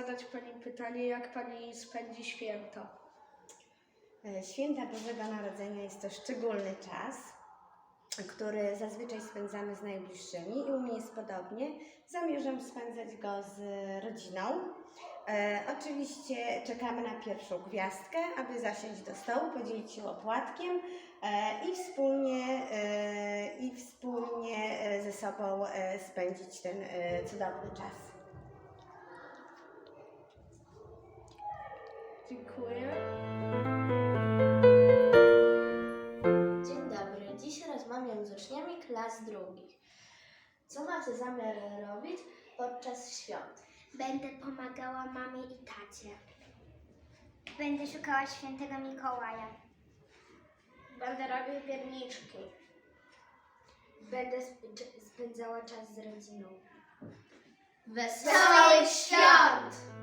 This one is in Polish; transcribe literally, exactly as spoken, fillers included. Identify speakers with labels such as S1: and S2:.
S1: zadać Pani pytanie, jak Pani spędzi święta?
S2: Święta Bożego Narodzenia jest to szczególny czas, który zazwyczaj spędzamy z najbliższymi i u mnie jest podobnie. Zamierzam spędzać go z rodziną. E, oczywiście czekamy na pierwszą gwiazdkę, aby zasiąść do stołu, podzielić się opłatkiem e, i, wspólnie, e, i wspólnie ze sobą e, spędzić ten e, cudowny czas.
S1: Dziękuję.
S3: Dzień dobry. Dziś rozmawiam z uczniami klas drugich. Co macie zamiar robić podczas świąt?
S4: Będę pomagała mamie i tacie. Będę szukała świętego Mikołaja.
S3: Będę robił pierniczki. Będę spędzała czas z rodziną. Wesołych świąt!